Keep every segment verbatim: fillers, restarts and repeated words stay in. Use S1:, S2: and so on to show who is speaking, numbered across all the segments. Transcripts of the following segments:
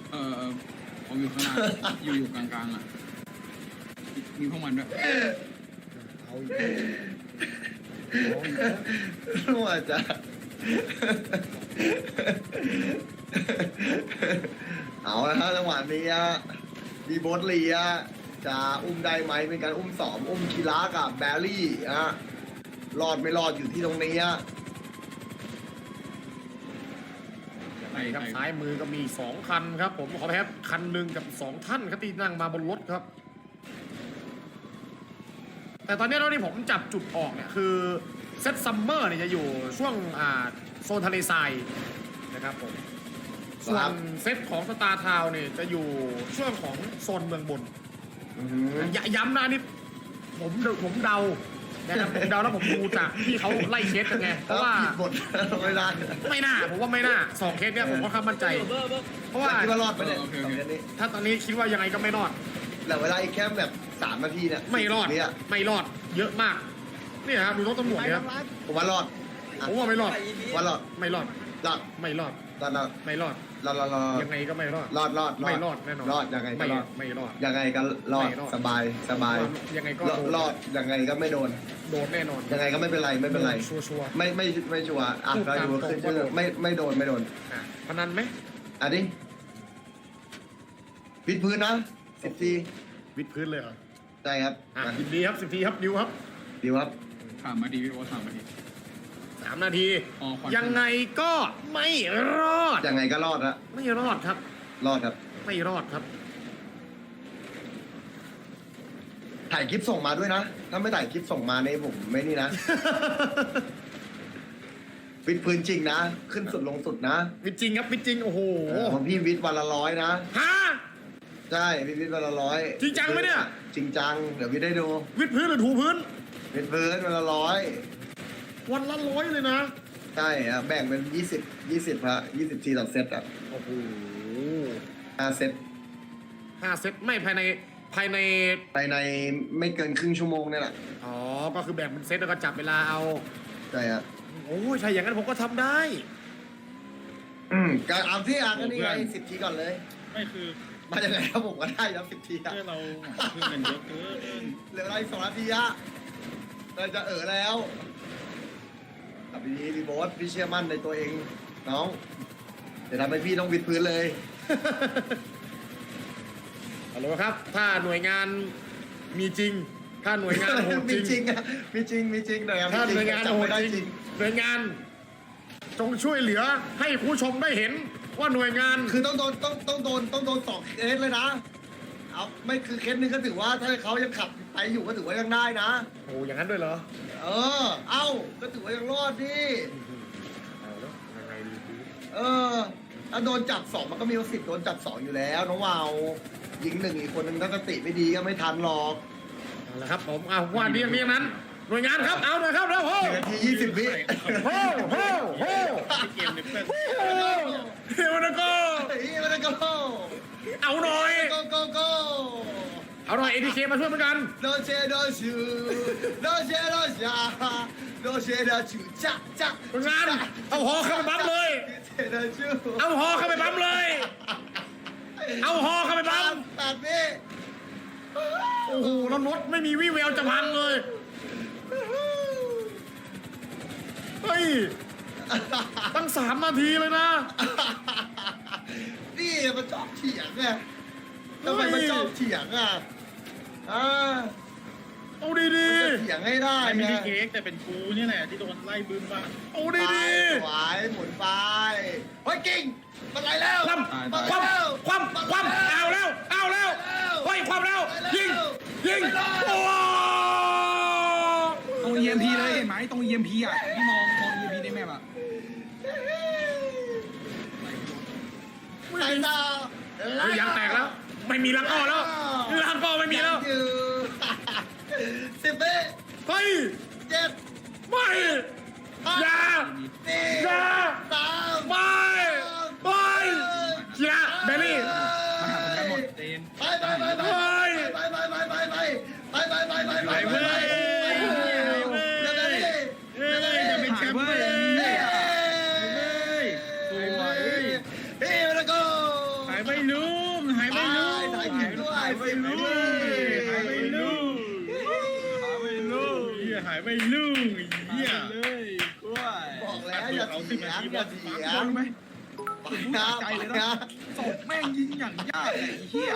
S1: เออเออผมอยู่ข้างหน้าอยู่อยู่กลางๆอ่ะมีพวกมันด้วย
S2: เอาอีกรู้ว่าจะเอาละครับจังหวะนี้ดีโบสเลียจะอุ้มได้ไหมเป็นการอุ้มสองอุ้มคีรากับแบรี่อะรอดไม่รอดอยู่ที่ตรงนี้อะ
S3: ไหนครับซ้ายมือก็มีสองคันครับผมขอแพ้คันหนึ่งกับสองท่านครับที่นั่งมาบนรถครับแต่ตอนนี้เราที่ผมจับจุดออกเนี่ยคือเซตซัมเมอร์เนี่ยจะอยู่ช่วงอ่าโซนทะเลทรายนะครับผมส่วนเซตของสตาร์ทาวน์เนี่ยจะอยู่ช่วงของโซนเมืองบนอย่าย้ำนะนี่ผมผมเดานะครับผมเดาแล้วผมดูจากที่เขาไล่เคสกันไงเพราะว่า
S2: ผิดบทไม่ได้
S3: ไม่น่าผมว่าไม่น่าสองเคสเนี่ยผมก็ค่อนข้างมั่นใจเพราะว่า
S2: คิดว่ารอดไปเนี่ยสองเคสนี้
S3: ถ้าตอนนี้คิดว่ายังไงก็ไม่รอด
S2: เหลือเวลาอีกแค่แบบสามนาทีเนี่ย
S3: ไม่รอดไม่รอดเยอะมากนี่ครับดูรถตำรวจเนี่ย
S2: ผมว่ารอด
S3: ผมว่าไม่รอด
S2: ว่ารอด
S3: ไม่รอด
S2: รอด
S3: ไม่รอด
S2: รอดรอด
S3: ไม่รอด
S2: รอดรอดรอด
S3: ยังไงก็ไม่รอด
S2: รอดรอด
S3: ไม่รอดแน่นอน
S2: รอดยังไงก็รอด
S3: ไม่รอด
S2: ยังไงก็รอดสบายสบาย
S3: ยังไงก็
S2: รอดยังไงก็ไม่โดน
S3: โดนแน่นอน
S2: ยังไงก็ไม่เป็นไรไม่เป็นไร
S3: ชัวร์
S2: ไม่ไม่ไม่ชัวร์อ่ะก็ดูขึ้นชื่อไม่ไม่โดนไม่โดน
S3: พนันไหม
S2: อันนี้วิดพื้นนะสิบที
S3: วิดพื้นเลยเหรอ
S2: ใช่ครับ
S3: ยินดีครับสิบทีครับดิวครับ
S2: ดิวครับ
S1: สามนาทีพี่โอ๊ตสามนาที
S3: สามนาทียังไงก็ไม่รอด
S2: ยังไงก็รอดละ
S3: ไม่รอดครับ
S2: รอดครับ
S3: ไม่รอดครับ
S2: ถ่ายคลิปส่งมาด้วยนะถ้าไม่ถ่ายคลิปส่งมาในผมไม่นี่นะวิดพื้นจริงนะขึ้นสุดลงสุดนะ
S3: วิดจริงครับวิดจริงโอ้โห
S2: ผมพี่วิดวันละร้อยนะ
S3: ฮะ
S2: ใช่พี่วิดวันละร้อย
S3: จริงจังไหมเนี่ย
S2: จริงจังเดี๋ยววิดได้ดู
S3: วิดพื้นหรือถูพื้น
S2: วิดพื้นวันละร้อย
S3: วันละร้อยเลยนะ
S2: ใช่อะแบ่งเป็นยี่สิบยี่สิบฮะยี่สิบทีต่อเซตอ่ะ
S3: โอ้โห
S2: ห้าเซต
S3: ห้าเซตไม่ภายในภายใน
S2: ภายในไม่เกินครึ่งชั่วโมงนี่แหละ
S3: อ๋อก็คือแบ่งเป็นเซตแล้วก็จับเวลาเอา
S2: ใช่ฮะ
S3: โอ้ยใช่อย่างนั้นผมก็ทำได้
S2: อืมการเอาที่อ่ะก็นี่ไงสิบทีก่อนเลย
S1: ไม่คือ
S2: มาอย่างไรครับผมก็ได้แล้วสิบทีอะ
S1: เราเพื่อนกันเยอะเกิน
S2: เหลืออะไรสองนาทีอะเราจะเออแล้วกับพี่พี่โบ๊ทพี่เชื่อมั่นในตัวเองน้องจะทำให้พี่ต้องวิดพื้นเลย
S3: ฮัลโหลครับถ้าหน่วยงานมีจริงถ้าหน่วยงานโหดจริง
S2: มีจริงอะมีจริงมีจริงหน่อย
S3: ถ้าหน่วยงานโหดจริงหน่วยงานจงช่วยเหลือให้ผู้ชมได้เห็นว่าหน่วยงาน
S2: คือต้องโดนต้องต้องโดนต้องโดนสองเคสเลยนะเอาไม่คือเคสนึงก็ถือว่าถ้าเขายังขับไปอยู่ก็ถือว่ายังได้นะ
S3: โอ้อย่างนั้นด้วยเหรอ
S2: เออเอ้าก็ถือว่ายังรอดดิ
S3: เอาแล้วยังไงดี
S2: เออถ้าโดนจับสองมันก็มีสิทธิ์โดนจับสองอยู่แล้วน้องวาวยิงหนึ่งอีกคนนึงถ้าสติไม่ดีก็ไม่ทันหรอก
S3: เอาละครับผมเอาว่าเรียงเรียงนั้นหน่วยงานครับเอาหน่อยครับแล้วโห
S2: นาทียี่สิบวิ
S3: โหโหโห
S1: เกมเนี่ยเพื่อน
S3: เฮ้ยมันก็
S2: เฮ้ยมันก็
S3: เอาหน่อย
S2: โกโกโก
S3: เอาหน่อยเอทีเคมาช่วยเหมือนกัน
S2: โดเชโดชูโดเชโดชาโดเชโดชูจ้าจ้า
S3: หน่วยงานเอาหอเข้าไปปั๊มเลยเอาหอเข้าไปปั๊มเลยเอาหอเข้าไปปั๊ม
S2: ตัดนี่
S3: โอ้โหแล้วรถไม่มีวี่แววจะพังเลยเฮ้ยตั้งสามนาทีเลยนะ
S2: นี่มันชอบเถียงไงทำไมมันชอบเถียงอ่ะอ่า
S3: เอาดีดี
S2: เถียงให้ได้
S1: ไม่ได้เค้กแต่เป็นกูนี่แหละที่โดนไล่บึ้มบ้าง
S3: เอาดีดี
S2: หวายหมุนไปเฮ้ยกิ่งมันไหลแล้ว
S3: คว่ำคว่ำคว่ำคว่ำเอาแล้วเอาแล้วเฮ้ยคว่ำแล้วยิงยิงโอ้
S1: ตรง อี เอ็ม พี เลยเห็นไหมตรง อี เอ็ม พี อ่ะที่มองมอง อี เอ็ม พี ในแมปอ่ะ
S2: ไหลต่อย
S3: างแตกแล้วไม่มีลังอ้อแล้วลังอ้อไม่มีแล้ว
S2: สิบเอ็ด
S3: เฮ้ย
S2: เจ็ด
S3: ไม่อย่าอย่า
S2: สาม
S3: ไม่ไม่กีฬาเบลลี่
S1: มาหาผมกันหมดเจน
S2: ไปไปไปไปไปไปไปไปไปไปไปไปไปไปไปไป
S1: สวย
S2: เฮ้ยแล้วก็
S1: ายไปลุงหายไปลุง
S2: ถ่ายคลิปด้วย
S1: หายไปลุงหายไปลุงหายไปลุงเหี้ยหายไปลุงเหี้ยเลยกล้วย
S2: บอกแล้วอย่าเถียงอย่าเถียง
S1: ไหม
S2: ไปนะไปนะ
S1: ศพแม่งยิงอย่างยากไอ้เหี้ย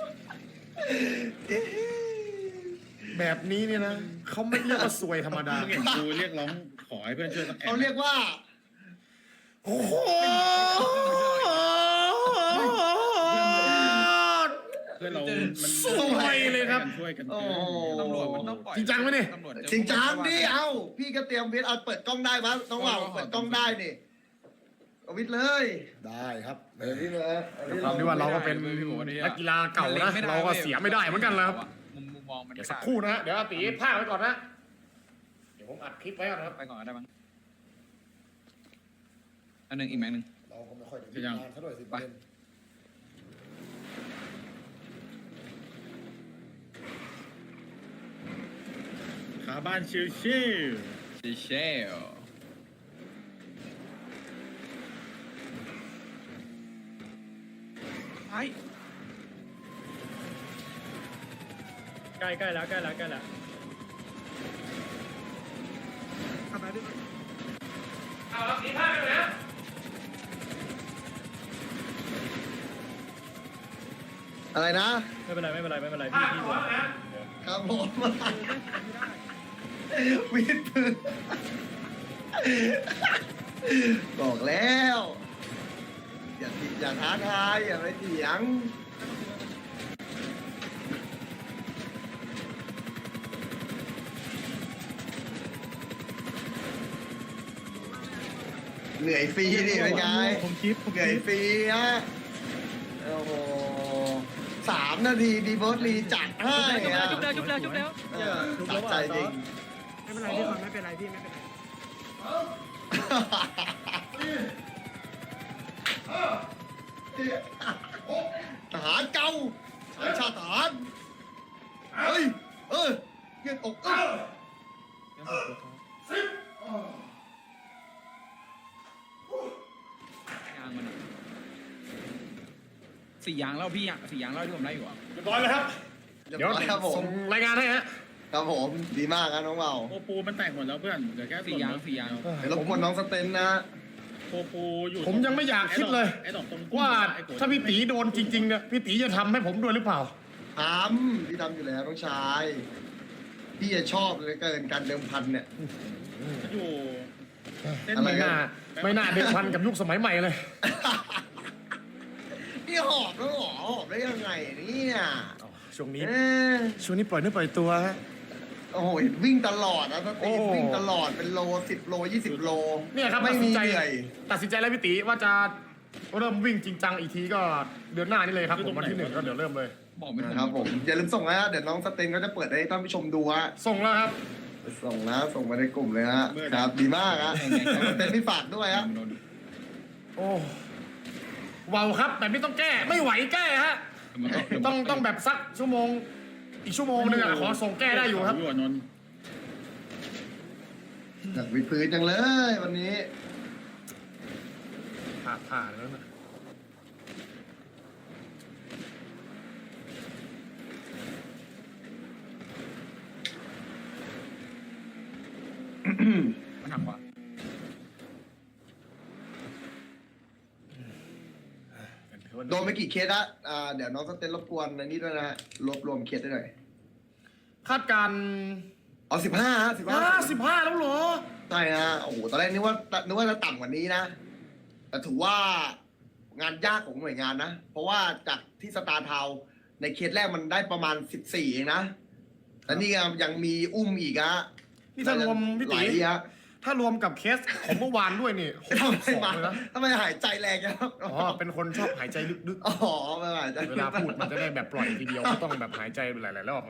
S3: แบบนี้เนี่ยนะเขาไม่เรียกว่าซวยธรรมดา
S1: มึงเห็นกูเรียกร้องขอให้เพื่อนช่วยสักแอ
S2: เขาเรียกว่า
S3: โอ้โห
S1: เพื่อนเรามัน
S3: สวยเลยครับ
S1: ช่วยกัน
S2: โอ้
S1: ตำรวจมันต้องปล่อย
S3: จริงจังไหมนี่
S1: ตำรวจ
S2: จริงจังดิเอ้าพี่ก็เตรียมวิทย์เอาเปิดกล้องได้ปะน้องว่าวเปิดกล้องได้นี่เอาวิทย์เลย
S3: ได้ครับ
S2: เออวิทย์เลย
S3: ความที่ว่าเราก็เป็นนักกีฬาเก่านะเราก็เสียไม่ได้เหมือนกันแล้ว
S1: มุมมุมมองมัน
S3: เดี๋ยวสักครู่นะฮะเดี๋ยวอาตีพากไว้ก่อนนะเดี๋ยวผมอัดคลิปไว้ก่อนนะครับ
S1: ไปก่อนก็ได้บ้างอันหนึ่งอีกแม็กหนึ่ง
S3: เราก็ไม่ค่อยได้
S1: จะยัง
S3: งานเท่าไหร่สิ
S1: ไป ขาบ้านชิวชิวชิวชิวไป
S4: ใกล้ใกล้แล้วใกล้แล้วใกล้แล้ว
S3: เอาอาตีพากไปนะ
S2: อะไรนะ
S4: ไม่เป็นไรไม่เป็นไรไม่เป็นไร
S3: พา
S4: พี่
S3: ก
S4: พี่
S3: หัวนะ
S2: ครับผมวิทย์ปืนบอกแล้ว อย่าติอย่าท้าทายอย่าไปเถียงเหนื่อยฟรีนี่เป็นไง
S4: ผมคลิปผม
S2: เห
S4: ค
S2: นื่อย
S4: ลิป
S2: ฟรีฮะโอ้โหสามนาทีดีเบิร์ดลีจัดให้อะ
S4: จุ๊บแล้วจุ๊บแล้วจุ๊บแล้ว
S2: เออจัดใจจริง
S4: ไม่เป็นไรพี่ฟังไม่เป็นไรพี่ไม่เป็นไร
S2: ทหารเก่าสายชาติทหารเฮ้ย เออเงี้ยอกเออ
S1: ยางมันอะสี่ยางแล้วพี่อะสี่ยางแล้วที่ผมได้อยู่อะ
S3: เรียบร้อยแล้วครับ
S2: เดี๋
S3: เดี๋ยว
S2: ยวครับผ
S3: ส่
S2: ม
S3: งรายงานให้ฮะ
S2: ครับผมดีมากครับน้องเบา
S1: โปปูมันแตกหมดแล้วเพื่อนเหลือแค่สี่ยางสี่ยาง
S2: เดี๋ยวรบกวนน้องสเตนนะ
S1: โปปูอยู่
S3: ผมยังไม่อยากคิดเลย
S1: ไอ้ดอกตรง
S3: ว่าถ้าพี่ตีโดนจริงๆเนี่ยพี่ตีจะทำให้ผมด้วยหรือเปล่า
S2: ทำพี่ทำอยู่แล้วน้องชายพี่จะชอบเหลยเกินการเดิมพันเนี่ย
S1: อยู่เส้น
S2: อะไร
S3: ไม่
S2: กั
S3: น่าไม่น่าเด็กพันกับยุคสมัยใหม่เลย
S2: พี่หอบแล้วเหรอหอบได้ยังไงเนี่ย
S3: ช่วงนี้
S2: เอ๊ะ
S3: ช่วงนี้ปล่อยเนื้อปล่อยตัวฮะ
S2: โอ้โหเห็นวิ่งตลอดนะส
S3: โอ้
S2: ตีวิ่งตลอดเป็นโลสิบโลยี่สิบโล
S3: เนี่ยครับ
S2: ไม่
S3: ตัดสิ
S2: มี
S3: นใจ
S2: เหนื่อย
S3: ตัดสินใจแล้วพี่ตีว่าจะเริ่มวิ่งจริงจังอีกทีก็เดือนหน้านี่เลยครับผมวันที่หนึ่งก็เดี๋ยวเริ่มเลย
S1: บอกไม่ถูก
S2: นะครับผมอย่าลืมส่งนะฮะเดี๋ยวน้องสเตนก็จะเปิดให้ท่านผู้ชมดูฮะ
S3: ส่งแล้วครับ
S2: ส่งนะส่งมาในกลุ่มเลยฮะครับดีมากฮะน้องสเตนพี่ฝากด้วยฮะ
S3: โอ้ว้าวครับแบบนี้ต้องแก้ไม่ไหวแก้ฮะต้องต้องแบบสักชั่วโมง อีกชั่วโมงนึงอะขอส่งแก้ได้อยู่ครับ
S1: นนท์
S2: อยากวิดพื้นจังเลยวันนี้
S3: ผ่าผ่าแล้วนะ
S1: มันหักกว่า
S2: โดนไปกี่เคสละอ่าเดี๋ยวน้องสเตนรบกวนในนี้ด้วยนะฮะรวบรวมเคสได้หน่อย
S3: คาดการณ์
S2: เอาสิบห้าสิบห้า
S3: ห้าสิบห้าแล้วเหรอ
S2: ใช่ฮะโอ้โหตอนแรกนึกว่านึกว่าจะต่ำกว่านี้นะ แต่ถือว่างานยากของหน่วยงานนะ เพราะว่าจากที่สตาร์ทาวน์ในเคสแรกมันได้ประมาณสิบสี่เองนะแต่นี่ยังมีอุ้มอีกฮะ
S3: นี่ถ้ารวมพี่
S2: ห
S3: ตี
S2: ลายฮะ
S3: ถ้ารวมกับเคสของเมื่อวานด้วยนี่
S2: ทำไม
S3: สอง
S2: มา
S3: เลยนะ
S2: ทำไมหายใจแรงจังครับ
S3: อ๋อเป็นคนชอบหายใจลึก
S2: อ๋อไม่หายใจ
S3: ๆเวลาพูดมันจะได้แบบปล่อยทีเดียวไม่ต้องแบบหายใจหลายๆรอบไง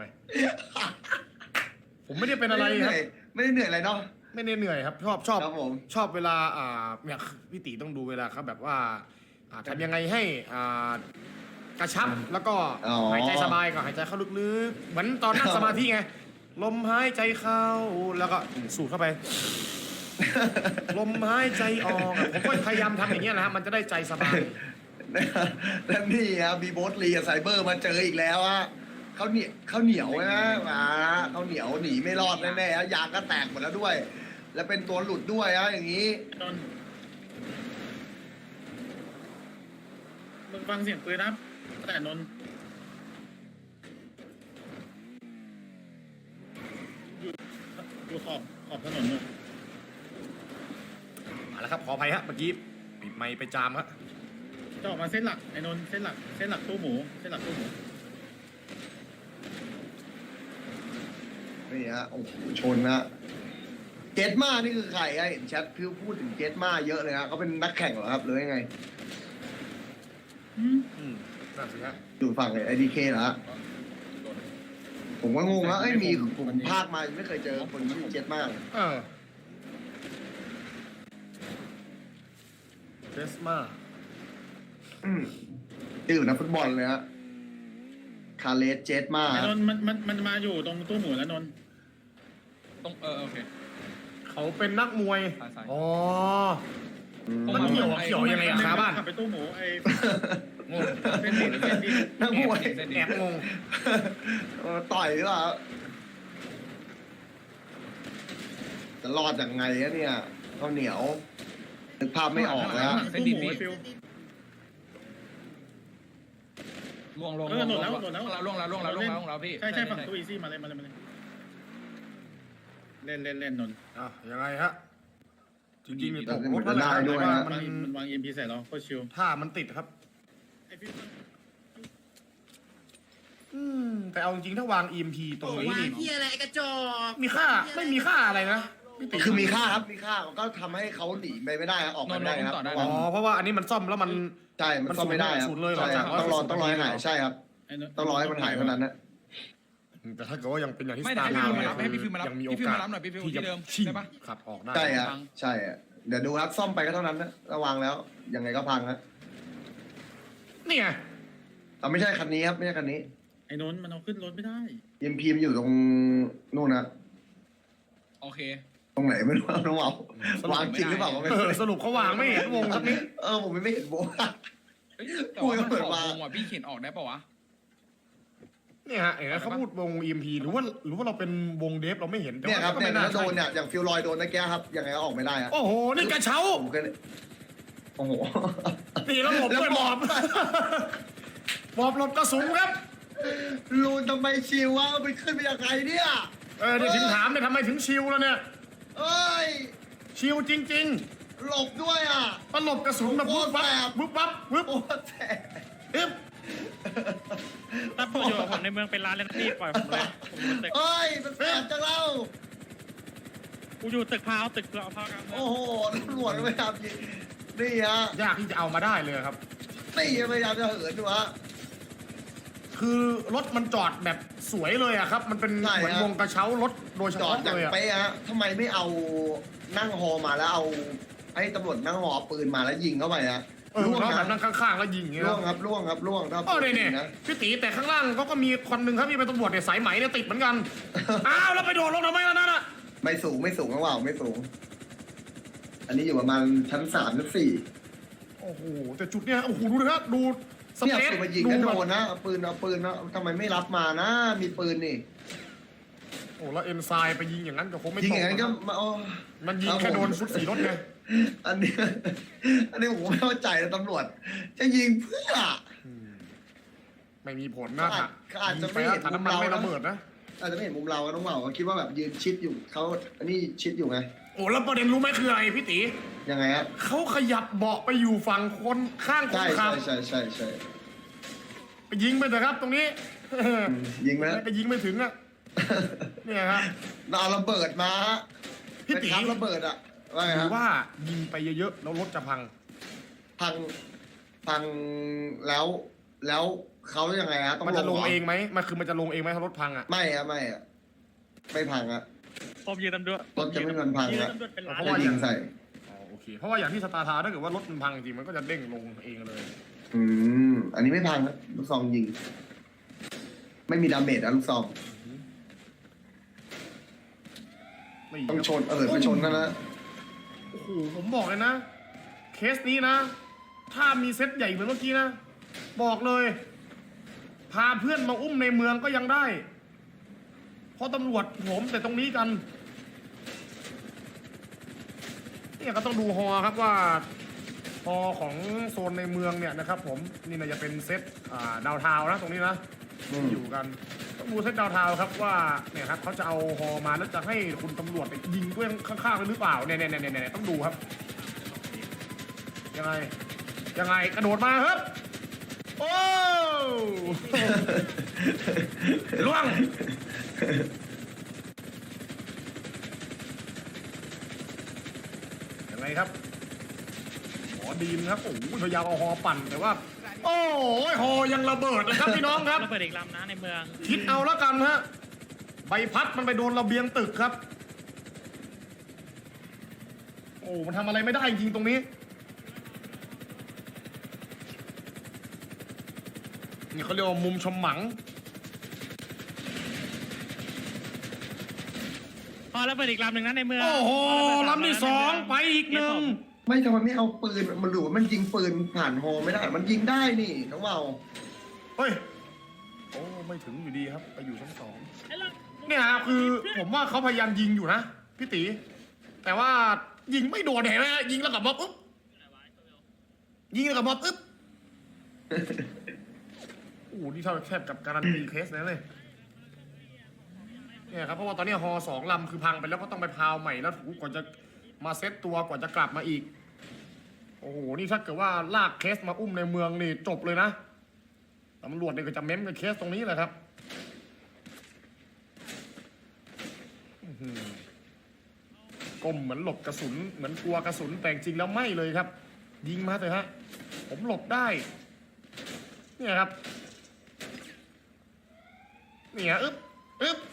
S3: ผมไม่ได้เป็นอะไร
S2: ม่ด้เห
S3: ครั
S2: นื่
S3: บ
S2: อยไม่ได้เหนื่อยอะไรเนาะ
S3: ไม่ได้เหนื่อยครับ ชอบชอบ
S2: ครับผม
S3: ชอบเวลาอ่าเนี่ยพี่ตีต้องดูเวลาครับแบบว่าอ่าทำยังไงให้อ่ากระชับแล้วก็
S2: อ๋อ
S3: หายใจสบายก็หายใจเข้าลึกๆเหมือนตอนนั่งสมาธิไงลมหายใจเข้าแล้วก็สูดเข้าไป ลมหายใจออกผมก็พยายามทำอย่างเงี้ยนะฮะมันจะได้ใจสบาย
S2: แล้วนี่ครับมีโบสลีกับไซเบอร์มาเจออีกแล้วอะเขาเหนียวเขาเหนียวนะมาเขาเหนียวหนีไม่รอดแน่ๆฮะยางก็แตกหมดแล้วด้วย แล้วเป็นตัวหลุดด้วยฮะอย่างนี้
S1: นนท์มึงฟังเสียงปืนนะแต่นนท์อยู่อยู่ขอบขอบถนนนู่น
S3: มาแล้วครับขออภัยฮะเมื่อกี้ปิดไมค์ไปจามฮะ
S1: จะออกมาเส้นหลักไอ้นนท์เส้นหลักเส้นหลักตู้หมูเส้นหลักตู้หมู
S2: นี่ฮะโอ้โหชนนะเจตมานี่คือใครฮะเห็นแชทพิวพูดถึงเจตมาเยอะเลยฮะเขาเป็นนักแข่งเหรอครับหรือยังไง
S1: อืม
S3: อืมนั่นสิฮะ
S2: อยู่ฝั่งไอดีเคเหรอฮะผมก็งงแล้วเอ้ยมีผมภาคมาไม่เคยเจอคนชื่อเจตมาเลย
S3: เออเทสมา
S2: อืมชื่อนักฟุตบอลเลยฮะคาเลสเจตมา
S1: ไอ้นนท์มันมันมันมาอยู่ตรงตู้หมูแล้วนนท์
S5: ต้องเออโอเค
S3: เขาเป็นนักมวย
S5: ซ้ายซ้าย
S3: อ๋อ
S2: อืม
S3: มันเกี่ยวเกี่ยวยังไงอะครับบ้าน
S1: ขับไปตู้หมูไอ้
S3: งง
S1: เส้นดินเส้นดิน
S2: นักมวย
S3: แอบงง
S2: เออต่อยหรือเปล่าจะรอดยังไงอะเนี่ยข้าวเหนียวนึกภาพไม่ออกแล้ว
S1: ตู้หมูไอ้ฟิว
S5: ล่วงลง
S1: เออหล่นแล้วหล่นแล้ว
S5: ล่วงแล้วล่วงแล้วล่วงแล้วล่วงแล้วพี่
S1: ใช่ใช่ฝั่งตู้อีซี่มาเลยมาเลยมาเลยเล่นเล่นเล่นนนท์
S3: อ่ะยังไงฮะจริงๆนี่ตก
S2: แต่
S3: ร
S2: เหมื
S3: ถ
S2: อนจะได้ด้วยนะ
S3: มั
S1: มัน นมันวางเอ็มพีใส่เราโคตรชิว
S3: ถ้ามันติดครับ
S1: ไอ้ฟิว
S3: อืมแต่เอาจริงๆถ้าวาง อี เอ็ม พี ตรงนี้
S6: วาง
S3: นี่
S6: ที่อะไรไอ้กระจอก
S3: มีค่าไม่มีค่าอะไรนะพี่ติ
S2: คือมีค่าครับมีค่าก็ทำให้เขาหนีไปไม่ได้ครับออกไปไม่ได้ครับ
S3: อ๋อเพราะว่าอันนี้มันซ่อมแล้วมัน
S2: ใช่มันซ่อมไม่ได้ครับ
S3: ศูนย์เลยเหรอ
S2: ใช่ครับ
S3: จาก
S2: ต้องรอ
S3: ศูนย์
S2: ต้องรอให้หาย
S3: เหรอ
S2: ใช่ครับ
S1: ไอ้นนท์
S2: ต้องรอให้มันหายเท่านั้นนะ
S3: แต่ถ้าเกิดว่ายังเป็นอย่างที่
S5: ไม่
S3: ส
S5: ได้
S3: ตาร์
S5: ให้
S3: ทาวน์
S5: พี่ฟิวมารับให้พี่ฟิวมารับ
S3: ยังมีโอ
S5: พี่ฟิว
S3: กาส
S5: มารับหน่อยพี่ฟิว
S3: ที่จะ
S5: ที่เดิม
S3: ชิง
S5: ได้ปะ
S3: ขับออกได้
S2: ใช่ฮะใช่ฮะเดี๋ยวดูครับซ่อมไปก็เท่านั้นนะระวังแล้วยังไงก็พังฮะ
S3: นี่ไง
S2: แต่ไม่ใช่คันนี้ครับไม่ใช่คันนี้
S1: ไอ้นนท์มันเอาขึ้นรถไม่ได้
S2: ยิมพีมอยู่ตรงนู่นนะ
S5: โอเค
S2: ตรงไหนไม่รู้น้องเอาวางจริงหรือเปล่าก็ไม่
S3: เอ
S2: รู้
S3: อสรุปเขาวางไม่เห็นวงสักนิด
S2: เออผมไม่เห็นโบะ
S5: เอ้ยแต่ว่ามัน
S2: พูด
S5: ข
S2: ก็
S5: อบ
S2: เปิดมา
S5: วงว่ะพี่เขียนออกได้ปะวะ
S3: เนี่ยฮะเห็นไหมเขาพูดวง อี เอ็ม พี หรือว่าหรือว่าเราเป็นวงเดฟเราไม่เห็นแต่
S2: เนี่ย
S3: ว่า
S2: ครับ
S3: ก็
S2: เนี่ย
S3: ไม่น่า
S2: ถ้าโด
S3: ใช่
S2: นเนี่ยอย่างฟิลลอยโดนนะแกครับยังไงก็ออกไม่ได้อะ
S3: โอ้โหนี่กระเช้า
S2: ผมก็เลยโอ้โห
S3: นี่แล้วหลบด้วยหมอบหมอบหลบกระสุนครับ
S2: ลูนทำไมชิววะไปขึ้นไปยังไงเนี่ย
S3: เออเดี๋ยวถึงถามเนี่ยทำไมถึงชิวแล้วเนี่ย
S2: เอ้ย
S3: ชิวจริง
S2: หลบด้วยอ่ะ
S3: ๆมันหลบกระสุนแบบวึบวับวึบวับวึบ
S2: โอ้แสบ
S3: อึ๊บ
S4: ถ้าผมอยู่กับผมในเมืองเป็นร้านเลยนะพี่ปล่อยผมเลยผมอยู่ตึก
S2: เอ้ยมันแสบจังเล่า
S4: กูอยู่ตึกพาวตึกเราพาวกัน
S2: โอ้โหตำรวจก็พยายามยิงนี่ฮะ
S3: ยากที่จะเอามาได้เลยครับ
S2: นี่พยายามจะเหินดูฮะ
S3: คือรถมันจอดแบบสวยเลยอะครับ มันเป็น
S2: ใช่
S3: เหมือน
S2: ฮะ
S3: วงกระเช้ารถโดยเฉ
S2: จอด
S3: พาะ
S2: อย่าง
S3: เลยอะ
S2: เป๊ะฮะทำไมไม่เอานั่งฮอมาแล้วเอาให้ตำรวจนั่งฮอเอาปืนมาแล้วยิงเข้าไปฮะ
S3: เออ
S2: ล่วง
S3: แล้วแบ
S2: นะ
S3: บนั่งข้างๆแล้วยิงอย่างเงี้ย
S2: ล่วงครับล่วงครับล่วงถ้า
S3: เออเนี่ยเนี่ย
S2: นะ
S3: พี่ตีแต่ข้างล่างเขาก็มีคนหนึ่งครับที่เป็นตำรวจเนี่ยสายไหมเนี่ยติดเหมือนกัน อ้าวแล้วไปโดดลงทำไมล่ะนั่นอะ
S2: ไม่สูงไม่สูงนะว่าวไม่สูง อันนี้อยู่ประมาณชั้นสามชั้นสี่
S3: โอ้โหแต่จุดเนี้ยโอ้โหดูนะครับดูส
S2: เนี่ย
S3: เปซ
S2: ปืนมายิง
S3: ดู
S2: กัน
S3: แบ
S2: โด
S3: บ
S2: นนะเอาปืนเอาปืนนะทำไมไม่รับมานะ มีปืนนี่
S3: โอ้แล้วเอ็นไซไปยิงอย่างนั้นก็คงไม่
S2: ยิง
S3: ต
S2: อย่างนั้นก็
S3: ก
S2: มาเอา
S3: มันยิงแค่โดนชุดสีรถไง
S2: อันนี้ อันนี้ผมไม่เข้าใจนะตำรวจ จะยิงเพื่อ
S3: อืมไม่มีผลนะ
S2: เขาอาจเขาอาจจะไม่เห็น
S3: ถังน้ำมัน
S2: มุมเรา
S3: ไม่ระเบิดนะ
S2: อาจจะไม่เห็นมุมเราต้องบอกว่าคิดว่าแบบยืนชิดอยู่เขาอันนี้ชิดอยู่ไง
S3: โอ้แล้วประเด็นรู้ไหมคืออะไรพี่ตี
S2: ยังไงฮะ
S3: เขาขยับเบาะไปอยู่ฝั่งคนข้างคน
S2: ใช่
S3: ขั
S2: ใช่
S3: บ
S2: ใช่ใช่ใช่
S3: ไปยิงไปเถอะครับตรงนี้
S2: อืมยิงไหม
S3: ไปยิงไม่ถึงอะเนี่ยครับ
S2: เอาระเบิดมาฮะ
S3: พี่ตี
S2: เป็นครับระเบิดอะว่าไง
S3: ห
S2: ค
S3: รื
S2: รับ
S3: อว่ายิงไปเยอะๆแล้วรถจะพัง
S2: พังพังแล้วแล้วเขายังไงฮะต้อง
S3: มันจะลง
S2: หร
S3: เองไหมมันคือมันจะลงเองไหมถ้ารถพังอะ
S2: ไม่อะไม่อะไม่พังอะ
S4: ผมยืนตำรวจ
S2: รถจะไม่มันพัง
S4: ยืน
S2: อะ
S4: ตำรวจเป็นร้าน
S3: เพราะ
S2: จะ
S3: ว่า
S2: ยิงใส่
S3: อ๋อโอเคเพราะว่าอย่างที่สตาร์ทาวน์ถ้าเกิดว่ารถมันพังจริงมันก็จะเด้งลงเองเลย
S2: อืมอันนี้ไม่พังนะลูกซองยิง ไม่มีดาเมจนะลูกซอง
S3: ไม่
S2: ต้องชนเออไปชนกันนะ
S3: โอ้โหผมบอกเลยนะ เคสนี้นะถ้ามีเซตใหญ่เหมือนเมื่อกี้นะ บอกเลย พาเพื่อนมาอุ้มในเมืองก็ยังได้ เพราะตำรวจผมแต่ตรงนี้กันเนี่ยก็ต้องดูฮอครับว่าฮอของโซนในเมืองเนี่ยนะครับผมนี่น่าจะเป็นเซตอ่าดาวทาวน์นะตรงนี้นะที่อยู่กันต้องดูเซตดาวทาวน์ครับว่าเนี่ยครับเขาจะเอาฮอมาแล้วจะให้คุณตำรวจไปยิงด้วยข้างๆเลยหรือเปล่าเนี่ยเนี่ยเนี่ยเนี่ยต้องดูครับยังไงยังไงกระโดดมาครับโอ้ล่วงยังไงครับหมอดีมครับโอ้โหพยายามเอาฮอปั่นแต่ว่าโอ้ยฮอยังระเบิดเลยครับพี่น้องครับ
S4: ระเบิดอีกลำนะในเมือง
S3: คิดเอาแล้วกันฮะใบพัดมันไปโดนระเบียงตึกครับโอ้มันทำอะไรไม่ได้จริงตรงนี้นี่เขาเรียกว่ามุมชมหมัง
S4: พอระเบิดอีกลำหนึ่งนะในเมือง
S3: โอ้โหลำที่สองไปอีกหนึ่ง
S2: ไม่ทำไมไม่เอาปืนมันหรือว่ามันยิงปืนผ่านฮอไม่ได้ มันยิงได้นี่น้องเมา
S3: เฮ้ยโอ้ไม่ถึงอยู่ดีครับไปอยู่ชั้นสองเนี่ยครับคือผมว่าเขาพยายามยิงอยู่นะพี่ตีแต่ว่ายิงไม่โดนเห็นไหมยิงแล้วกลับมาปุ๊บยิงแล้วกลับมาปุ๊บโอ้นี่เท่าแทบกับการันตีเคสนั้นเลยเนี่ยครับเพราะว่าตอนนี้ฮอสองลำคือพังไปแล้วก็ต้องไปพาวใหม่แล้วถูกว่าจะมาเซตตัวกว่าจะกลับมาอีกโอ้โหนี่ถ้าเกิดว่าลากเคสมาอุ้มในเมืองนี่จบเลยนะตำรวจเนี่ยก็จะเม้มกับเคสตรงนี้แหละครับก้มเหมือนหลบกระสุนเหมือนกลัวกระสุนแต่จริงแล้วไม่เลยครับ ยิงมาเถอะฮะผมหลบได้เนี่ยครับเนี่ยอึ๊บอึ๊บ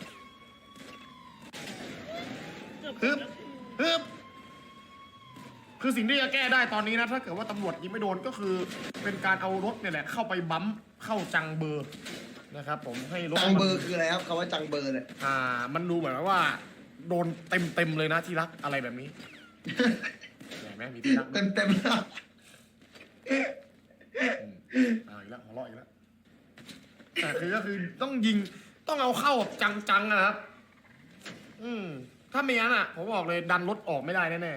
S3: อึ๊บอึ๊บคือสิ่งที่จะแก้ได้ตอนนี้นะถ้าเกิดว่าตำรวจยิงไม่โดนก็คือเป็นการเอารถเนี่ยแหละเข้าไปบั๊มเข้าจังเบอร์นะครับผมให้รถ
S2: จังเบอร์คืออะไรครับคำว่าจังเบอร์เนี่ย
S3: อ่ามันดูเหมือนว่าโดนเต็มเต็มๆเลยนะที่รักอะไรแบบนี้ เห็นไหมมีที่รัก
S2: เต็มเต็มๆนะ
S3: อ่าอีกแล้วหัวเราะอีกแล้วแต่คือก็คือต้องยิงต้องเอาเข้าแบบจังๆนะครับ อืมถ้าไม่งั้นอ่ะผมบอกเลยดันรถออกไม่ได้แน่ๆ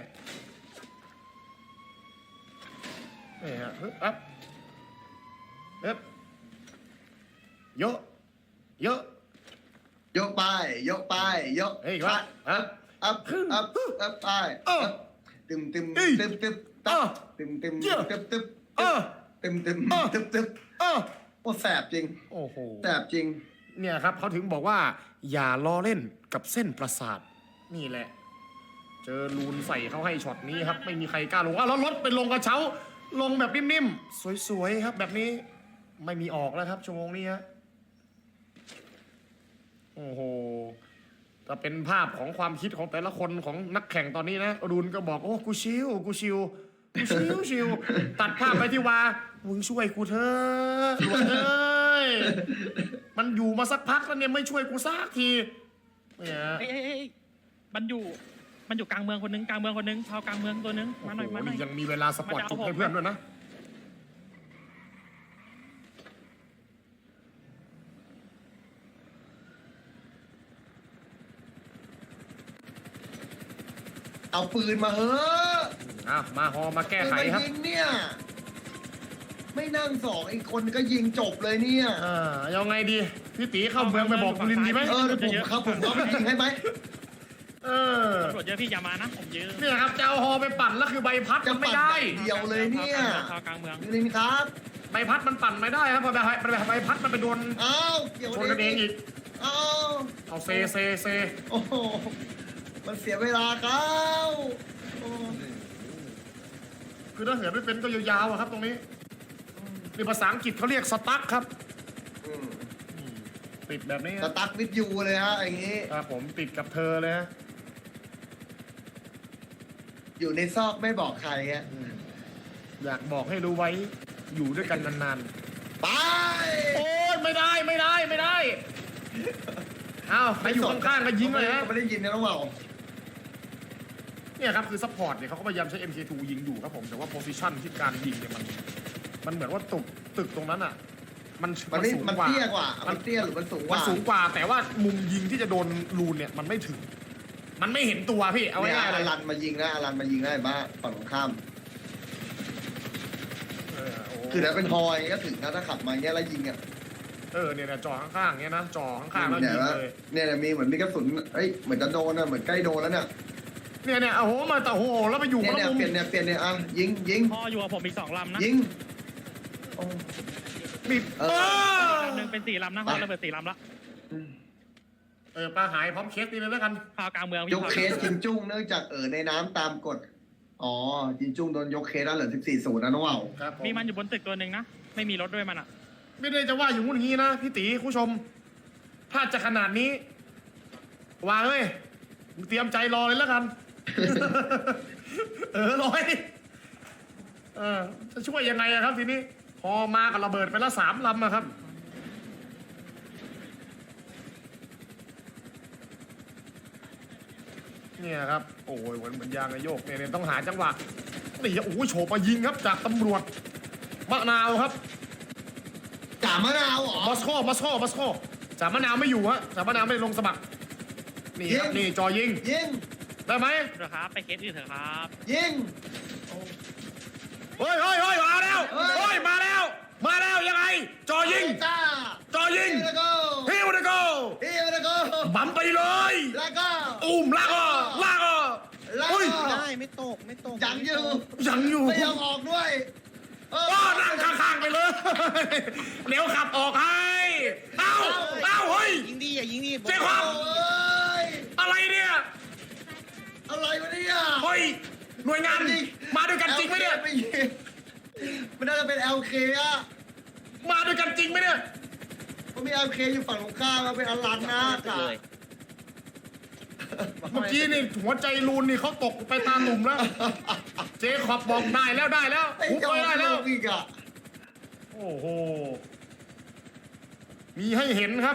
S3: นี่ฮะฮึบอัพเอ๊บเยอะเยอะ
S2: ยกไปยกไปยก
S3: เฮ้ยอีกแล้วอัพ
S2: อัพอัพอัพไป
S3: เออ
S2: ตึมตึม
S3: เอ้ย
S2: ตึมตึม
S3: เออ
S2: ตึมตึม
S3: เยอะ
S2: ตึมตึม
S3: เออ
S2: ตึมตึม
S3: เออ
S2: ตึมตึม
S3: เออ
S2: โอ้แสบจริง
S3: โอ้โห
S2: แสบจริง
S3: เนี่ยครับเขาถึงบอกว่าอย่าล้อเล่นกับเส้นประสาทนี่แหละ เจอลูนใส่เขาให้ช็อตนี้ครับไม่มีใครกล้าลงอ่ะแล้วรถเป็นลงกระเช้าลงแบบนิ่มๆสวยๆครับแบบนี้ไม่มีออกแล้วครับชั่วโมงนี้ฮะโอ้โหถ้าเป็นภาพของความคิดของแต่ละคนของนักแข่งตอนนี้นะอรุณก็บอกโอ้กูชิวกูชิวกูชิวชิวตัดภาพไปที่ว่ามึงช่วยกูเถอะหลวงเอ้ยมันอยู่มาสักพักแล้วเนี่ยไม่ช่วยกูสักทีเนี่ย
S4: เอ้ยเอ้ยเอ้ยมันอยู่มันอยู่กลางเมืองคนนึงกลางเมืองคนนึงพาวกลางเมืองตัวนึงมาหน่อยมาหน่อย
S3: ยังมีเวลาสปอร์ตจุดให้เพื่อนด้วยนะ
S2: เอาปืนมาเฮ้อะ
S3: อ่ะมาฮอมาแก้ไขครับ
S2: ปืนมายิงเนี่ย ไม่นั่งสองอีกคนก็ยิงจบเลยเนี่ย
S3: อ่ายังไงดีพี่ตีเข้าเมืองไปบอกคุณลินดีไหม
S2: เออเดี๋ยวผมครับผมเขาไปยิงให้ไหม
S3: เออ
S4: ตำรวจเยอะพี่อย่ามานะผมเยอะ
S3: เนี่ยครับจะเอาฮอไปปั่นแล้วคือใบพัด
S2: จะ
S3: มันไม่
S2: ปั่น
S3: ได้
S2: อย่างเดียวเลยเนี่ย
S4: พาวกลางเมือง
S2: ลินครับ
S3: ใบพัดมันปั่นไม่ได้ครับเพราะใบใบใบพัดมันไปโดน
S2: อ้าวเกี่ยว
S3: ชนกันเองอีก
S2: อ้าว
S3: เอาเซเซเซ
S2: โอ้โหมันเสียเวลาครับโอ้
S3: คือถ้าเหินไม่เป็นก็ยาวๆอะครับตรงนี้ในภาษาอังกฤษเขาเรียกสตั๊กครับ
S2: อืม
S3: ติดแบบนี้
S2: สตั๊กวิดยูเลยฮะอย่างนี้
S3: ครับผมติดกับเธอเลยฮะ
S2: อยู่ในซอกไม่บอกใครฮะ
S3: อยากบอกให้รู้ไว้อยู่ด้วยกันนาน
S2: ไป
S3: ๆโอ้ยไม่ได้ไม่ได้ไม่ได้อ้าวใครอยู่ข้างๆก็ยิงเลยฮะ
S2: ไม่ได้ยินนะน้องเบา
S3: เนี่ยครับคือซัพพอร์ตเนี่ยเขาก็พยายามใช้ เอ็ม เค ทู ยิงอยู่ครับผมแต่ว่าโพซิชันที่การยิงเนี่ยมันมันเหมือนว่าตึกตึกตรงนั้นอ่ะมัน
S2: มันนี่
S3: สูง
S2: มัน
S3: กว่า
S2: เตี้ยกว่ามันเตี้ยหรือมันสูงก
S3: มัน
S2: ว่า
S3: สูงกว่าแต่ว่ามุมยิงที่จะโดนรูนเนี่ยมันไม่ถึง มันไม่เห็นตัวพี่เอา
S2: เนี่ย
S3: ง่ายๆเล
S2: อย ลันมายิงนะอลันมายิงได้บ้าฝั่งตรงข้าม
S3: เออโอ้
S2: คือถ้าเป็นฮอยก็ถึงนะถ้าขับมาเงี้ยแล้วยิงอ่ะ
S3: เออเนี่ยเนี่ยจอข้างๆเงี้ยนะจอข้างๆแล้ว
S2: เนี่ย
S3: ยิง
S2: ว่า
S3: เลย
S2: เนี่ยมีเหมือนมีกระสุนเอ้ยเหมือนจะโดนอะเหมือนใกล้โดนแล้วเนี่ย
S3: เนี่ยเนี่ยโอ้โหมาแต่โอ้โหแล้วไปอยู่
S2: เนี่
S3: ค
S2: ย
S3: น
S2: เนี่ย
S3: ละมุม
S2: เปลี่ยนเนี่ยเปลี่ยนเนี่ยอ่ะยิงยิง
S4: พออยู่กับผมอีกสองลำนะ
S2: ยิงโอ้
S3: มี
S2: เออ
S3: เออ
S4: ลำหนึ่งเป็นสี่ลำนะพอระเบิดสี่ลำละ
S3: เออปลาหายพร้อมเคสนี่เลยแล้วกัน
S4: พาวกลางเมือง
S2: ยกเคสจินจุ้งเนื่องจากเออในน้ำตามกฎอ๋อจินจุ้งโดนยกเคสแล้วเหลือสิบสี่ศูนย์นะน้องว่าว
S3: ครับผ
S4: มีมันอยู่บนตึกตัวหนึ่งนะไม่มีรถด้วยมันอ่ะ
S3: ไม่ได้จะว่าอย่างงู้นอย่างงี้นะพี่ตีผู้ชม ถ้าจะขนาดนี้วางเลยมึงเตรียมใจรอเลยแล้วกัน เออร้อยเออจะช่วยยังไงอะครับทีนี้ พอมากับระเบิดไปแล้วสามลำอะครับ เนี่ยครับ โอ้ยเหมือนเหมือนยางนายโยกเนี่ยเนี่ยต้องหาจังหวะนี่โอ้ยโฉบมายิงครับจากตำรวจมะนาวครับ
S2: จ่ามะนาวเหรอ
S3: มอสโกมอสโกมอสโกจ่ามะนาวไม่อยู่ฮะจ่ามะนาวไม่ได้ลงสมัคร นี่ครับ
S2: ยิง
S3: นี่จอยิง
S2: ยิง
S3: ได้ไหม
S4: เถอะครับไปเคสอื่นเถอะครับ
S2: ยิง
S3: เฮ้ยเฮ้ยเฮ้ยมาแล้ว
S2: เฮ้ย
S3: เฮ้ยมาแล้ว มาแล้วยังไง จอยิง
S2: จ้า
S3: จอยิง
S2: แล้วก็
S3: ฮิวเดโก
S2: ฮิวแล้วก็
S3: บัมไปเลย
S2: แล้วก็
S3: อุ้มลากอ่ะลากอ่ะ
S2: แล้ว
S3: เฮ้ย
S2: ก็
S6: ได้ไม่ตกไม่ตก
S2: ยังอยู่
S3: ยังอยู่
S2: ไม่ยอมออกด้วยเออ
S3: ก็นั่งข้างๆไปเลย เดี๋ยวขับออกให้ เอ้า เอ้า เฮ้ย
S6: ยิงดีอย่ายิงดี
S3: เจ๊ครับ
S2: โอ้ย
S3: อะไรเนี่ย
S2: อะไรวะเนี่ย
S3: เฮ้ย หน่วยงาน มาด้วยกันจริงไหมเนี่ย
S2: ไม่ยิงมันน่าจะเป็น แอล เค อะ
S3: มาด้วยกันจริงไหมเนี่ย
S2: มันมี แอล เค อยู่ฝั่งตรงข้ามมันเป็นอลันนะกะ
S6: เลย
S3: เมื่อกี้นี่หัวใจรูนนี่เขาตกไปตาหนุ่มแล้ว เจขอบบอกได้แล้วได้แล้ว
S2: ไอ้
S3: หุบ
S2: ยอ
S3: ไป
S2: ม
S3: ได้แล้ว
S2: ลงอีกอะ
S3: โอ้โห มีให้เห็นครับ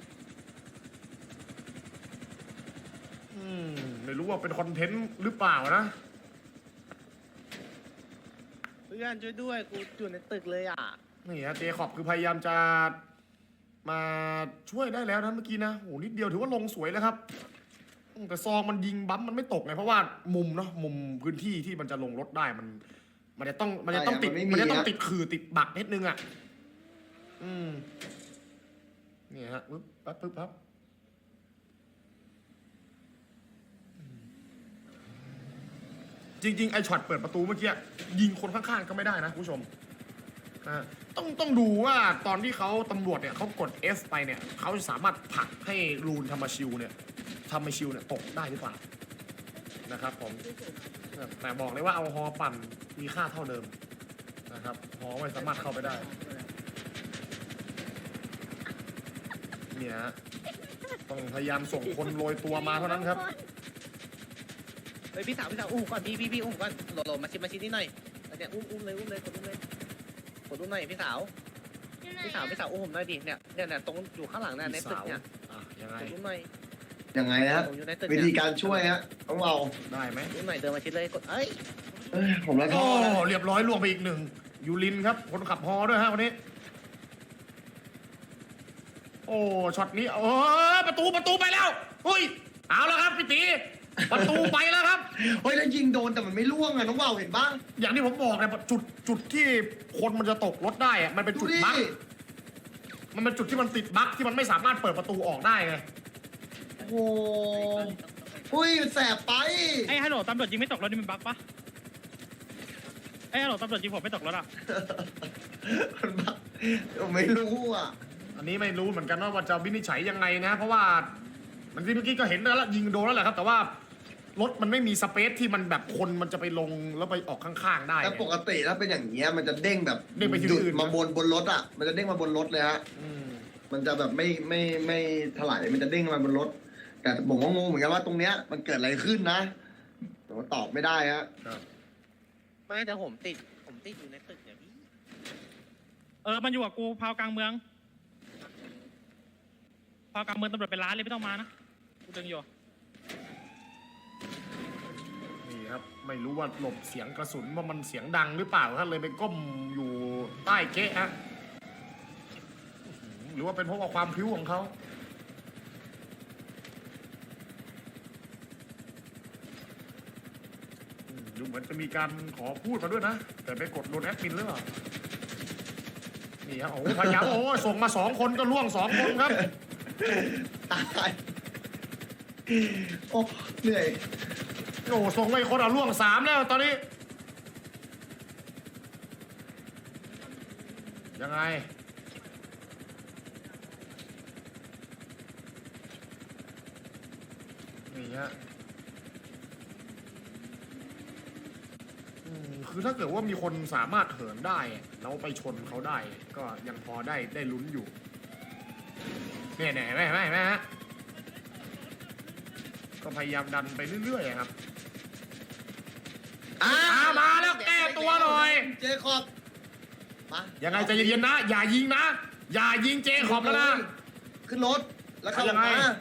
S3: อืม ไม่รู้ว่าเป็นคอนเทนต์หรือเปล่านะ
S6: เพื่อนช่วยด้วยกูอยู่ในตึกเลยอ่ะ
S3: นี่ฮะเจขอบคือพยายามจะมาช่วยได้แล้วนะเมื่อกี้นะโอ้นิดเดียวถือว่าลงสวยแล้วครับอืมแต่ซองมันยิงบั๊มมันไม่ตกไงเพราะว่ามุมเนาะมุมพื้นที่ที่มันจะลงรถได้มัน มันจะต้องมันจะต้องติดมันจะต้องติดขื่อติดบักนิดนึงอ่ะอืมนี่ฮะปึ๊บปั๊บปึ๊บปั๊บอืมจริงๆไอช็อตเปิดประตูเมื่อกี้ยิงคนข้างๆก็ไม่ได้นะคุณผู้ชม อ่าต้องต้องดูว่าตอนที่เขาตำรวจเนี่ยเขากด F ไปเนี่ยเขาจะสามารถผลักให้รูนธรรมชิวเนี่ยธรรมชิวเนี่ยตกได้หรือเปล่านะครับผมแต่บอกเลยว่าเอาฮอปั่นมีค่าเท่าเดิมนะครับฮอไม่สามารถเข้าไปได้เนี่ยฮะต้องพยายามส่งคนโรยตัวมาเท่านั้นครับ
S6: เฮ้ยพี่สาวพี่สาวอุ้มก่อนพี่พี่พี่อุ้มก่อนโหลดโหลดมาชิมมาชิมนิดหน่อยแล้วเนี่ยอุ้มอุ้มเลยอุ้มเลยกดอุ้มเลยกดอุ้มหน่อยพี่สาวพี่สาวพี่สาวอุ้มผมหน่อยดิเนี่ยเนี่ยเนี่ยตรงอยู่ข้างหลังเนี่ยในตึกเนี่ย
S3: อ่ะยังไง
S6: กดอุ้มหน่อย
S2: ยังไงฮะ
S6: ผมอยู่ในตึก
S2: วิ
S6: เนี่ย
S2: ธีการช่วยฮะต้องเอา
S3: ได้ไหม
S6: อุ้มหน่อยเดินมาชิดเลยกดเอ้ย
S2: เอ้ยผมละท้
S3: โอ้
S2: อแล้ว
S3: เรียบร้อยล่วงไปอีกหนึ่งยูรินครับคนขับฮอด้วยฮะวันนี้ โอ้ช็อตนี้เออประตูประตูไปแล้วเฮ้ยเอาแล้วครับพี่ตีประตูไปแล้วครับ
S2: เฮ้ยแล้วยิงโดนแต่มันไม่ล่วงอะน้องว่าวเห็นบ้าง
S3: อย่างที่ผมบอกเนี่ยจุดจุดที่คนมันจะตกรถได้อะมันเป็น
S2: ดู
S3: จุด
S2: ดิ
S3: บั๊กมันเป็นจุดที่มันติดบั๊กที่มันไม่สามารถเปิดประตูออกได้ไง
S2: โอ้โหอุ้ยแสบไป
S4: ไอ้ฮัลโหลตำรวจยิงไม่ตกรถนี่มันบั๊กปะไอ้ฮัลโหลตำรวจยิงผมไม่ตกรถอ่ะ
S2: มันบ้าผมไม่รู้อ่ะ
S3: อันนี้ไม่รู้เหมือนกันว่าจะวินิจฉัยยังไงนะ เพราะว่ามันที่เมื่อกี้ก็เห็นแล้วยิงโดนแล้วแหละครับ แต่ว่ารถมันไม่มีสเปซที่มันแบบคนมันจะไปลงแล้วไปออกข้างๆได้
S2: แต่ปกติถ้าเป็นอย่างเงี้ยมันจะเด้งแบบ
S3: เด้งไปที่
S2: หยุด
S3: อื่น
S2: มาบนบนรถอ่ะ มันจะเด้งมาบนรถเลยฮะ
S3: อืม
S2: มันจะแบบไม่ไม่ไม่ถลายมันจะเด้งมาบนรถ แต่ผมก็งงเหมือนกันว่าตรงเนี้ยมันเกิดอะไรขึ้นนะผมก็ตอบไม่ได้ฮะ
S3: ครับ
S6: ไม่แต่ผมติดผมติดอยู่ในตึกเนี่ยพี่
S4: เออมันอยู่กับกูพาวกลางเมืองพาวกลางเมืองตำรวจเป็นล้านเลยไม่ต้องมานะกูดึงอยู่
S3: นี่ครับไม่รู้ว่าหลบเสียงกระสุนว่ามันเสียงดังหรือเปล่าครับเลยไปก้มอยู่ใต้เก๊ะฮะหรือว่าเป็นเพราะว่าความพริ้วของเขาอืมดูเหมือนจะมีการขอพูดมาด้วยนะแต่ไปกดโดนแอดมินหรือเปล่านี่ครับโอ้โหพยายามโอ้ส่งมาสองคนก็ล่วงสองคนครับ
S2: ตายโอ้เหนื่อย
S3: โอ้โหส่งไปคนเอาล่วงสามแล้วตอนนี้ยังไงนี่ฮะอืมคือถ้าเกิดว่ามีคนสามารถเหินได้แล้วไปชนเขาได้ ก็ยังพอได้ได้ลุ้นอยู่เนี่ยเนี่ยเห็นไหมเห็นไหมเห็นไหมฮะก็พยายามดันไปเรื่อยๆครับ
S2: อ่า
S3: อ่ามาแล้วแก้ตัวหน่อย
S2: เจคอบมา
S3: ยังไงใจเย็นๆนะ อย่ายิงนะ อย่ายิงเจขอบแล้วนะ
S2: ขึ้นรถแล้วเข้า
S3: ยังไง
S2: มา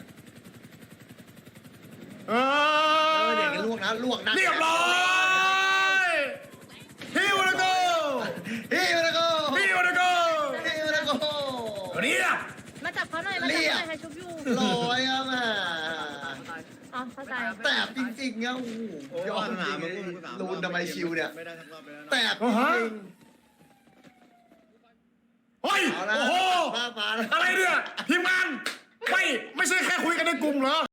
S3: เอ
S2: เอ
S3: อ
S2: อเด็กกันลวกนะลวกนะ
S3: เรียบร้อยฮิวนะโก
S2: เฮ้ยมาแล้วก็
S3: ฮิวนะโก
S2: เฮ้ยมาแล้วก็
S3: เรียบ
S7: มาจับเขาหน่อย มาจับเขาหน่อยใครชุบอยู่
S2: ลอยอ่ะแม่
S7: อ๋อเข้าใจ
S2: แสบจริงๆอ่ะโอ้โหยอดจริงๆลูนทำไมชิวเนี่ยแสบจริง
S3: เฮ้ย
S2: ๆเอาละ
S3: โอ้โห
S2: มามาแล้ว
S3: อะไรเนี่ย ทีมงาน ไม่ ไม่ใช่แค่คุยกันในกลุ่มเหรอ